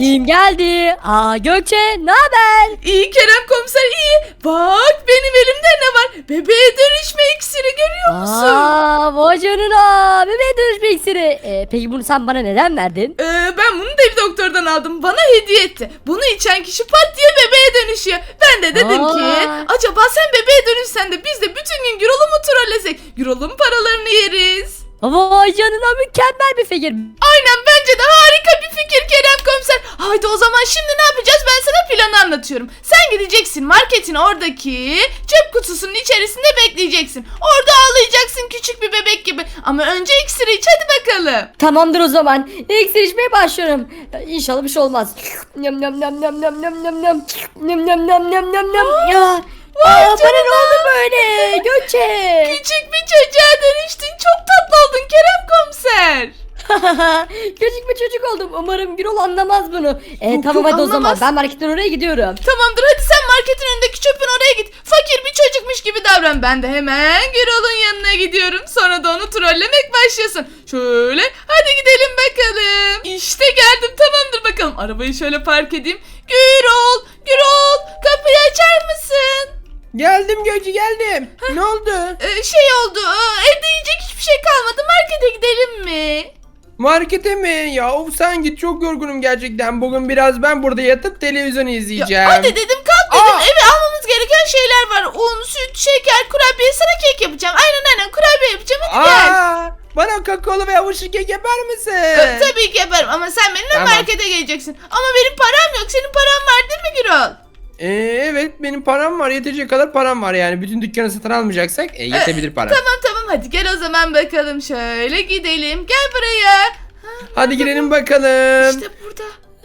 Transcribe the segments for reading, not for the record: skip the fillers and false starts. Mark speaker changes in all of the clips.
Speaker 1: geldi. Aa Gökçe ne haber?
Speaker 2: İyi Kerem komiser iyi. Bak benim elimde ne var? Bebeğe dönüşme iksiri görüyor musun?
Speaker 1: Aa vay canına. Bebeğe dönüşme iksiri. Peki bunu sen bana neden verdin?
Speaker 2: Ben bunu dev doktordan aldım. Bana hediye etti. Bunu içen kişi pat diye bebeğe dönüşüyor. Ben de dedim ki acaba sen bebeğe dönüşsen de biz de bütün gün Gürol'u mu trollesek? Gürol'un paralarını yeriz.
Speaker 1: Vay canına mükemmel bir fikir.
Speaker 2: Aynen bence de harika bir fikir Kerem komiser. Haydi o zaman şimdi ne yapacağız, ben sana planı anlatıyorum. Sen gideceksin marketin oradaki çöp kutusunun içerisinde bekleyeceksin. Orada ağlayacaksın küçük bir bebek gibi. Ama önce iksiri iç hadi bakalım.
Speaker 1: Tamamdır o zaman. İksir içmeye başlıyorum. İnşallah bir şey olmaz. Nyam nyam nyam nyam nyam nyam nyam nyam. Nyam nyam nyam nyam nyam nyam. Ya. Bana ne oldu böyle Gökçe?
Speaker 2: Küçük bir çocuğa dönüştün. Çok tatlı oldun Kerem komiser.
Speaker 1: Küçük bir çocuk oldum. Umarım Gürol anlamaz bunu.
Speaker 2: Yok,
Speaker 1: Tamam hadi o zaman.
Speaker 2: anlamaz.
Speaker 1: Ben marketten oraya gidiyorum.
Speaker 2: Tamamdır hadi sen marketin önündeki çöpün oraya git. Fakir bir çocukmuş gibi davran. Ben de hemen Gürol'un yanına gidiyorum. Sonra da onu trollemek başlasın. Şöyle hadi gidelim bakalım. İşte geldim, tamamdır bakalım. Arabayı şöyle park edeyim. Gürol, Gürol kapıyı açar mısın?
Speaker 3: Geldim Gökçe geldim. Ne oldu?
Speaker 2: Şey oldu, evde yiyecek hiçbir şey kalmadı. Markete gidelim mi?
Speaker 3: Markete mi? Ya of sen git, çok yorgunum gerçekten. Bugün biraz ben burada yatıp televizyon izleyeceğim.
Speaker 2: Ya, hadi dedim kalk dedim. Eve almamız gereken şeyler var. Un, süt, şeker, kurabiye, sana kek yapacağım. Aynen kurabiye yapacağım, hadi gel.
Speaker 3: Bana kakaolu ve havuçlu kek yapar mısın?
Speaker 2: Tabii ki yaparım ama sen benimle
Speaker 3: Tamam.
Speaker 2: markete geleceksin. Ama benim param yok. Senin paran var değil mi Gürol?
Speaker 3: Evet benim param var, yetecek kadar param var yani. Bütün dükkanı satın almayacaksak yetebilir para.
Speaker 2: Tamam hadi gel o zaman bakalım. Şöyle gidelim. Gel buraya.
Speaker 3: Hadi girelim bakalım.
Speaker 2: İşte burada.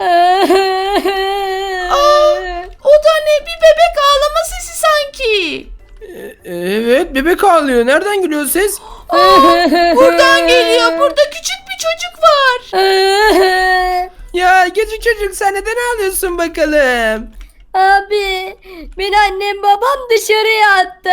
Speaker 2: O da ne? Bir bebek ağlama sesi sanki.
Speaker 3: Evet bebek ağlıyor. Nereden geliyor ses?
Speaker 2: Buradan geliyor. Burada küçük bir çocuk var.
Speaker 3: Ya küçük çocuk sen neden ağlıyorsun bakalım?
Speaker 1: Abi beni annem babam dışarıya attı.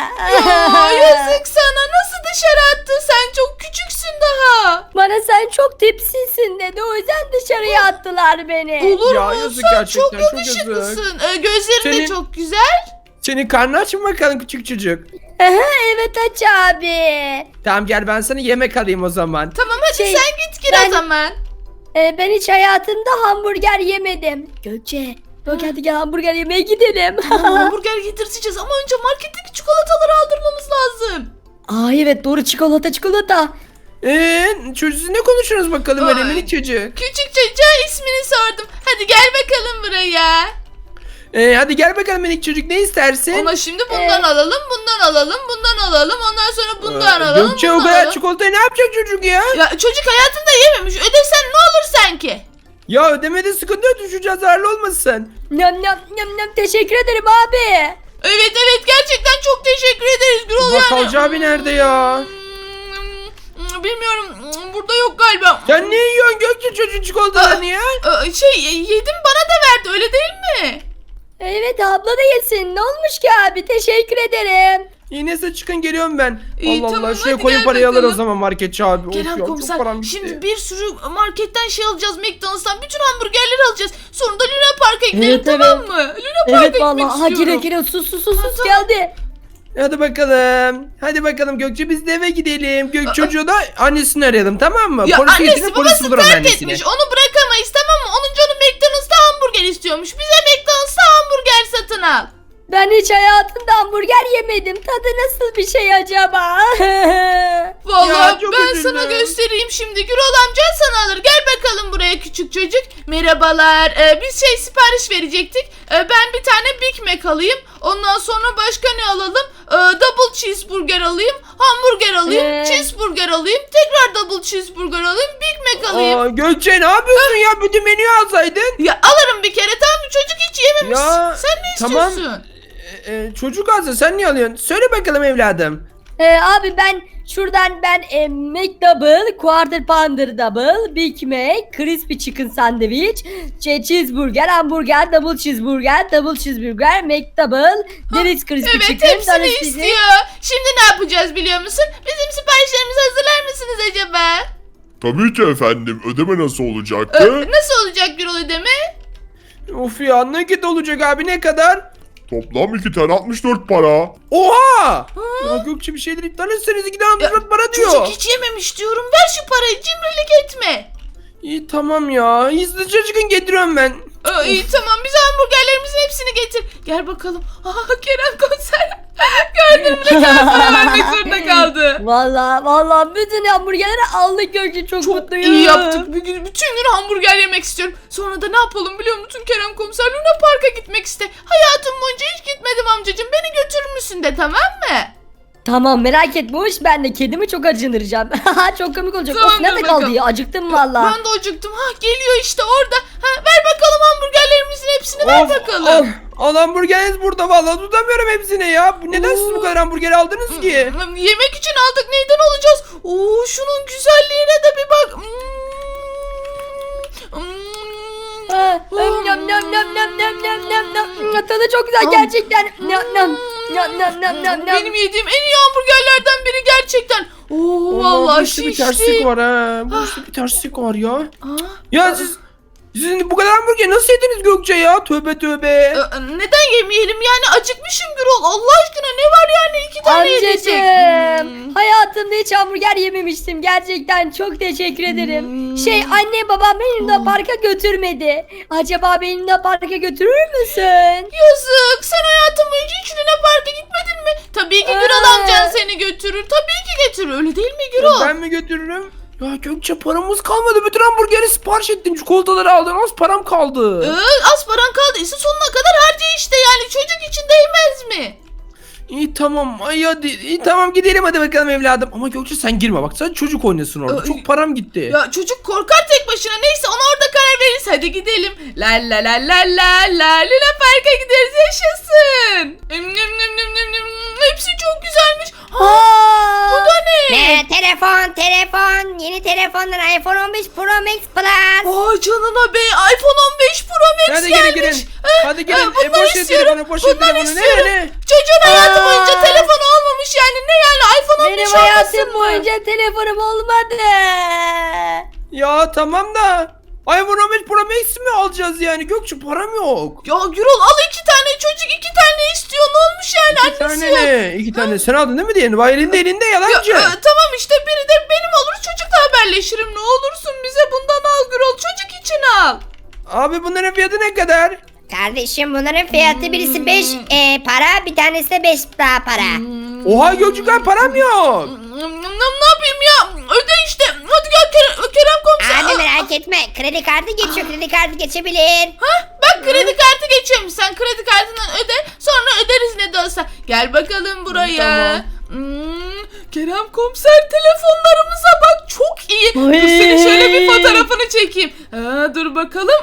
Speaker 2: Ya yazık sana. Nasıl dışarı attı? Sen çok küçüksün daha.
Speaker 1: Bana sen çok tipsizsin dedi. O yüzden dışarıya attılar beni.
Speaker 2: Olur
Speaker 3: Ya
Speaker 2: mu?
Speaker 3: yazık
Speaker 2: Sen
Speaker 3: gerçekten,
Speaker 2: çok
Speaker 3: çok yazık.
Speaker 2: yakışıklısın. Gözlerin de
Speaker 3: Senin-
Speaker 2: çok güzel.
Speaker 3: Senin karnı aç mı bakalım küçük çocuk?
Speaker 1: Evet aç abi.
Speaker 3: Tamam gel ben sana yemek alayım o zaman.
Speaker 2: Tamam hadi
Speaker 1: Şey,
Speaker 2: sen git gir
Speaker 1: ben-
Speaker 2: o zaman.
Speaker 1: Ben hiç hayatımda hamburger yemedim. Gökçe. Bak hadi gel hamburger yemeye gidelim.
Speaker 2: Hamburger getirteceğiz ama önce marketteki çikolataları aldırmamız lazım.
Speaker 1: Aa evet doğru çikolata.
Speaker 3: Çocuk siz ne konuşuyorsunuz bakalım öyle
Speaker 2: Ay.
Speaker 3: minik çocuk?
Speaker 2: Küçük çocuğa ismini sordum. Hadi gel bakalım buraya.
Speaker 3: Hadi gel bakalım minik çocuk, ne istersin?
Speaker 2: Ama şimdi bundan alalım, bundan alalım, bundan alalım. Ondan sonra bundan alalım,
Speaker 3: Gökçe o
Speaker 2: bundan
Speaker 3: kadar
Speaker 2: alalım.
Speaker 3: çikolatayı ne yapacak çocuk ya?
Speaker 2: Ya çocuk hayatında yememiş. Ödesen ne olur sanki?
Speaker 3: Ya ödemede sıkıntı yok, çocuğa zararlı olmasın.
Speaker 1: Nyam nyam nyam nyam teşekkür ederim abi.
Speaker 2: Evet gerçekten çok teşekkür ederiz Gürol yani.
Speaker 3: Bakkalcı abi nerede ya?
Speaker 2: Bilmiyorum, burada yok galiba.
Speaker 3: Sen ne yiyorsun Gökçe çocuğun çikolatalarını ya?
Speaker 2: Yedim bana da verdi öyle değil mi?
Speaker 1: Evet abla da yesin. Ne olmuş ki abi? Teşekkür ederim.
Speaker 3: Yine size çıkın, geliyorum ben.
Speaker 2: İyi,
Speaker 3: Allah
Speaker 2: tamam,
Speaker 3: Allah, şuraya
Speaker 2: hadi
Speaker 3: koyun
Speaker 2: gel
Speaker 3: parayı alır o
Speaker 2: bakalım.
Speaker 3: zaman marketçi abi. Of
Speaker 2: Kerem
Speaker 3: ya, çok
Speaker 2: komiser
Speaker 3: param gitti.
Speaker 2: şimdi bir sürü marketten şey alacağız, McDonald's'tan bütün hamburgerleri alacağız. Sonra da Luna Park'a gidelim,
Speaker 1: Evet,
Speaker 2: tamam mı? Luna Park'a
Speaker 1: Evet
Speaker 2: gitmek
Speaker 1: vallahi. Ha
Speaker 2: istiyorum.
Speaker 1: gire sus
Speaker 2: Tamam.
Speaker 1: geldi.
Speaker 3: Hadi bakalım. Hadi bakalım Gökçe, biz de eve gidelim. Çocuğu da annesini arayalım, tamam mı?
Speaker 2: Ya
Speaker 3: Polis
Speaker 2: annesi
Speaker 3: getirin, polis
Speaker 2: babası
Speaker 3: bulur onun
Speaker 2: terk
Speaker 3: annesini.
Speaker 2: etmiş, onu bırakamayız tamam mı? Onun canı McDonald's'ta hamburger istiyormuş. Bize McDonald's'ta hamburger satın al.
Speaker 1: Ben hiç hayatımda hamburger yemedim. Tadı nasıl bir şey acaba?
Speaker 2: Vallahi
Speaker 3: Ya, çok
Speaker 2: ben
Speaker 3: üzüldüm.
Speaker 2: sana göstereyim şimdi. Gürol amcan sana alır. Gel bakalım buraya küçük çocuk. Merhabalar. Biz sipariş verecektik. Ben bir tane Big Mac alayım. Ondan sonra başka ne alalım? Double cheeseburger alayım. Hamburger alayım. Cheeseburger alayım. Tekrar double cheeseburger alayım. Big Mac alayım.
Speaker 3: Gökçe ne yapıyorsun ya? Bütün menüyü alsaydın.
Speaker 2: Ya alırım bir kere tamam mı? Çocuk hiç yememiş.
Speaker 3: Ya,
Speaker 2: Sen ne
Speaker 3: tamam.
Speaker 2: istiyorsun?
Speaker 3: Çocuk alsa sen niye alıyorsun? Söyle bakalım evladım.
Speaker 1: Abi ben şuradan McDouble, Quarter Pounder Double, Big Mac, Crispy Chicken Sandwich, Cheeseburger, Hamburger, Double Cheeseburger, McDouble, Deniz Crispy
Speaker 2: Evet
Speaker 1: Chicken,
Speaker 2: hepsini
Speaker 1: Deniz Crispy-
Speaker 2: istiyor. Şimdi ne yapacağız biliyor musun? Bizim siparişlerimizi hazırlar mısınız acaba?
Speaker 4: Tabii ki efendim. Ödeme nasıl olacaktı?
Speaker 2: Nasıl olacak Gürol ödeme?
Speaker 3: Of ya nakit olacak abi ne kadar?
Speaker 4: Toplam 2 tane 64 para.
Speaker 3: Oha! Ya Gökçe bir şeyler iptal etseniz 2 tane 64 para diyor.
Speaker 2: Çocuk hiç yememiş diyorum. Ver şu parayı, cimrilik etme.
Speaker 3: İyi tamam ya. Hızlıca çıkın getiriyorum ben.
Speaker 2: İyi tamam, bize hamburgerlerimizin hepsini getir. Gel bakalım. Aha, Kerem komiser. Gördün mü, ne kadar para vermek zorunda kaldı.
Speaker 1: Vallahi bütün hamburgerleri aldık Gökçe, çok
Speaker 2: Çok
Speaker 1: mutluyum.
Speaker 2: iyi yaptık. Bütün gün hamburger yemek istiyorum. Sonra da ne yapalım biliyor musun Kerem komiser? Luna Park'a gitmek iste. Hayatım boyunca hiç gitmedim amcacığım. Beni götürür müsün de, tamam mı?
Speaker 1: Tamam, merak etme, hoş, ben de kedimi çok acındıracağım. Çok komik olacak. Of,
Speaker 2: Tamam,
Speaker 1: nerede
Speaker 2: dur
Speaker 1: kaldı
Speaker 2: bakalım.
Speaker 1: ya, acıktım valla.
Speaker 2: Ben de acıktım. Geliyor işte orada. Ver bakalım hamburgerlerimizin hepsini, ver bakalım.
Speaker 3: Al hamburgeriniz burada vallahi tutamıyorum hepsine ya. Neden siz bu kadar hamburger aldınız ki?
Speaker 2: Yemek için aldık, neyden alacağız? Oo, şunun güzelliğine de bir bak.
Speaker 1: Nam nam nam nam nam nam nam nam. Tadı çok güzel gerçekten. Nam nam nam nam nam nam.
Speaker 2: Benim yediğim en iyi hamburgerlerden biri gerçekten. Oo, vallahi
Speaker 3: bu işte bir terslik
Speaker 2: şişti.
Speaker 3: var ha. Bu işte bir terslik var ya.
Speaker 2: Aa,
Speaker 3: Ya sizin bu kadar hamburger nasıl yediniz Gökçe ya? Tövbe tövbe.
Speaker 2: neden yemeyelim yani, acıkmışım Gürol. Allah aşkına ne var yani, 2 tane yiyecek.
Speaker 1: Amcacığım, hayatımda hiç hamburger yememiştim. Gerçekten çok teşekkür ederim. Anne babam beni Luna Park'a götürmedi. Acaba beni Luna Park'a götürür müsün?
Speaker 2: Yazık, sen hayatın boyunca hiç Luna Park'a gitmedin mi? Tabii ki Gürol amcan seni götürür. Tabii ki götürür, öyle değil mi Gürol?
Speaker 3: Ben mi götürürüm? Ya Gökçe paramız kalmadı. Bütün hamburgeri sipariş ettim. Çikolataları aldım. Az param kaldı.
Speaker 2: Az paran kaldıysa sonuna kadar harca işte, yani çocuk için değmez mi?
Speaker 3: İyi tamam. Ay hadi. İyi tamam gidelim hadi bakalım evladım. Ama Gökçe sen girme bak. Sen çocuk oynasın orada. Çok param gitti.
Speaker 2: Ya çocuk korkar tek başına, neyse ona orada karar veririz, hadi gidelim. La la la la la la, Luna Park'a gideriz, yaşasın. Hepsi çok güzelmiş. Bu da ne?
Speaker 5: Telefon. Yeni telefonlar iPhone 15 Pro Max Plus.
Speaker 2: Vay canına be, iPhone 15 Pro Max
Speaker 3: Hadi
Speaker 2: gelmiş.
Speaker 3: gelin. Hadi gelin.
Speaker 2: Bunları
Speaker 3: Boş ver
Speaker 2: istiyorum.
Speaker 3: telefonu. Boş ver
Speaker 2: Bunları
Speaker 3: telefonu.
Speaker 2: istiyorum.
Speaker 3: Ne?
Speaker 2: Çocuğun hayatı boyunca telefonu olmamış yani. Ne yani, iPhone 15
Speaker 1: Benim
Speaker 2: olmasın
Speaker 1: hayatım
Speaker 2: mı?
Speaker 1: boyunca telefonum olmadı.
Speaker 3: Ya tamam da. iPhone 15 Pro Max mi alacağız yani? Gökçe param yok.
Speaker 2: Ya Gürol, al 2 tane, çocuk 2 tane istiyor, ne olmuş yani,
Speaker 3: İki
Speaker 2: annesi
Speaker 3: tane
Speaker 2: yok.
Speaker 3: ne? 2 tane. Sen aldın değil mi diğerini? Vay elinde yalancı.
Speaker 2: Tamam işte, biri de benim olur, çocukla haberleşirim, ne olursun bize bundan al Gürol, çocuk için al.
Speaker 3: Abi bunların fiyatı ne kadar?
Speaker 5: Kardeşim bunların fiyatı birisi 5 para, bir tanesi de 5 daha para.
Speaker 3: Oha Gökçe param yok.
Speaker 2: Ne yapayım ya, öde işte, hadi gel Kerem komiser.
Speaker 5: Abi merak etme, kredi kartı geçiyor, kredi kartı geçebilir.
Speaker 2: Bak, kredi kartı geçiyormuş, sen kredi kartından öde, sonra öderiz ne de olsa. Gel bakalım buraya.
Speaker 3: Tamam.
Speaker 2: Kerem komiser, telefonlarımıza bak, çok iyi. Dur, senin şöyle bir fotoğrafını çekeyim. Dur bakalım.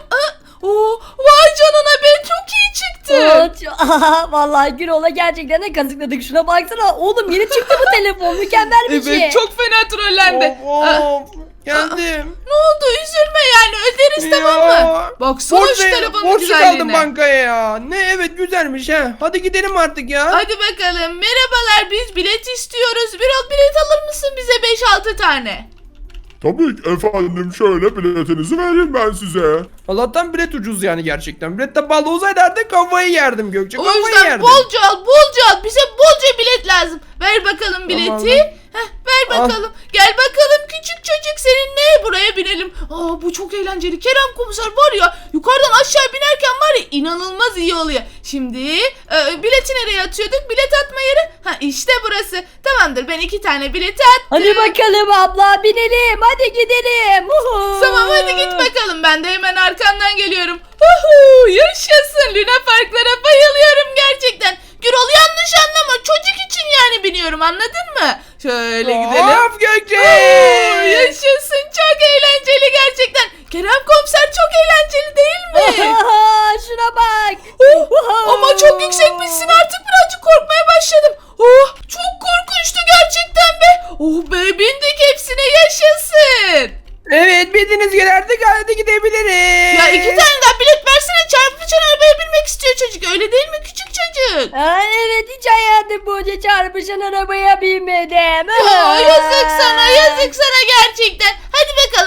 Speaker 2: Vay canına be, çok iyi çıktı.
Speaker 1: Vallahi Gürol'a gerçekten de kazıkladık. Şuna baksana oğlum, yeni çıktı bu telefon, mükemmel bir şey.
Speaker 2: Evet, çok fena trollendi.
Speaker 3: Of. Geldim.
Speaker 2: Ne oldu, üzülme yani, öderiz tamam mı? Baksana şu telefonun
Speaker 3: Borçlu kaldım
Speaker 2: güzelliğine.
Speaker 3: bankaya ya. Ne evet güzelmiş ha. Hadi gidelim artık ya.
Speaker 2: Hadi bakalım, merhabalar, biz bilet istiyoruz. Bir bilet alır mısın bize 5-6 tane?
Speaker 4: Tabii ki efendim. Şöyle biletinizi vereyim ben size.
Speaker 3: Allah'tan bilet ucuz yani gerçekten. Bilet de pahalı olsaydı artık kafayı yerdim Gökçe.
Speaker 2: O
Speaker 3: Kafayı
Speaker 2: yüzden
Speaker 3: yerdim.
Speaker 2: bolca al, bize bolca bilet lazım. Ver bakalım bileti.
Speaker 3: Tamam.
Speaker 2: Ver bakalım. Gel bakalım küçük çocuk, seninle buraya binelim. Bu çok eğlenceli. Kerem komiser var ya, yukarıdan aşağı binerken var ya, inanılmaz iyi oluyor. Şimdi bileti nereye atıyorduk? Bilet atma yeri. İşte burası. Tamamdır, ben 2 tane bileti attım.
Speaker 1: Hadi bakalım abla, binelim, hadi gidelim.
Speaker 2: Tamam, hadi git bakalım, ben de hemen arkandan geliyorum. Yaşasın, Luna Parklara bayılıyorum gerçekten. Gürol, yanlış anlama, çocuk için yani biniyorum, anladın mı? Şöyle gidelim.
Speaker 3: Of Gökçe.
Speaker 2: Yaşasın, çok eğlenceli gerçekten. Kerem komiser, çok eğlenceli değil mi?
Speaker 1: Şuna bak.
Speaker 2: Ama çok yüksekmişsin, artık birazcık korkmaya başladım. Çok korkunçtu gerçekten be. Bindik hepsine, yaşasın.
Speaker 3: Evet bildiğiniz gibi artık hadi gidebiliriz.
Speaker 2: Ya 2 tane daha bilet versene, çarpışan arabaya binmek istiyor çocuk, öyle değil mi küçük çocuk?
Speaker 1: Evet, hiç hayatım boyunca çarpışan arabaya binmedim.
Speaker 2: Yazık sana, yazık sana gerçekten. Hadi bakalım.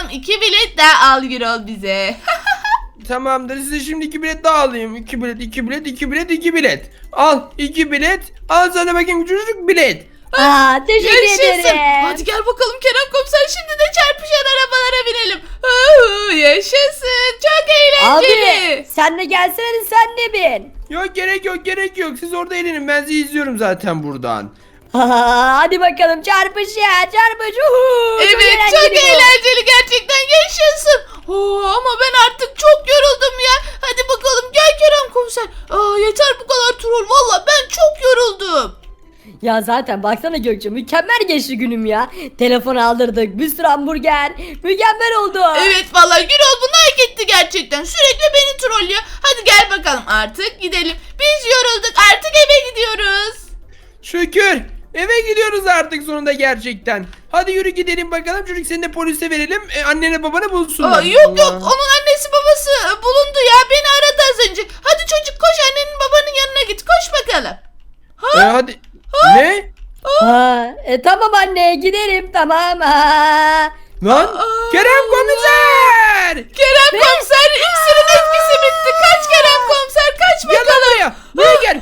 Speaker 2: bakalım 2 bilet daha al Gürol bize.
Speaker 3: Tamamdır, size şimdi 2 bilet daha alayım. 2 bilet, 2 bilet, 2 bilet, 2 bilet. Al 2 bilet. Al sana bakayım küçücük bilet.
Speaker 1: Aa, teşekkür
Speaker 2: Yaşasın.
Speaker 1: ederim.
Speaker 2: Hadi gel bakalım Kerem komiser, şimdi de çarpışan arabalara binelim. Yaşasın. Çok eğlenceli.
Speaker 1: Abi sen de gelsene hadi sen de bin.
Speaker 3: Yok gerek yok, gerek yok. Siz orada eğlenin, ben sizi izliyorum zaten buradan.
Speaker 1: Hadi bakalım çarpış ya çarpış.
Speaker 2: Evet, çok
Speaker 1: bu.
Speaker 2: eğlenceli gerçekten, yaşasın. Ama ben artık çok yoruldum ya. Hadi bakalım gel Kerem komiser. Yeter bu kadar troll, valla ben çok yoruldum.
Speaker 1: Ya zaten baksana Gökçe mükemmel geçti günüm ya. Telefon aldırdık, bir sürü hamburger. Mükemmel oldu.
Speaker 2: Evet valla Gürol bunu hak etti gerçekten. Sürekli beni trollüyor. Hadi gel bakalım artık gidelim. Biz yorulduk, artık eve gidiyoruz.
Speaker 3: Şükür. Eve gidiyoruz artık sonunda gerçekten. Hadi yürü gidelim bakalım. Çocuk seni de polise verelim. Annene babanı bulsunlar.
Speaker 2: Yok
Speaker 3: Allah.
Speaker 2: onun annesi babası bulundu ya, beni aradı az önce. Hadi çocuk koş, annenin babanın yanına git, koş bakalım.
Speaker 3: Hadi. Ne?
Speaker 1: Tamam anne gidelim tamam.
Speaker 3: Lan Kerem komiser.
Speaker 2: Kerem komiser, iksirin etkisi bitti. Kaç Kerem komiser, kaç
Speaker 3: Gel lan
Speaker 2: bakalım.
Speaker 3: buraya. Buraya gel.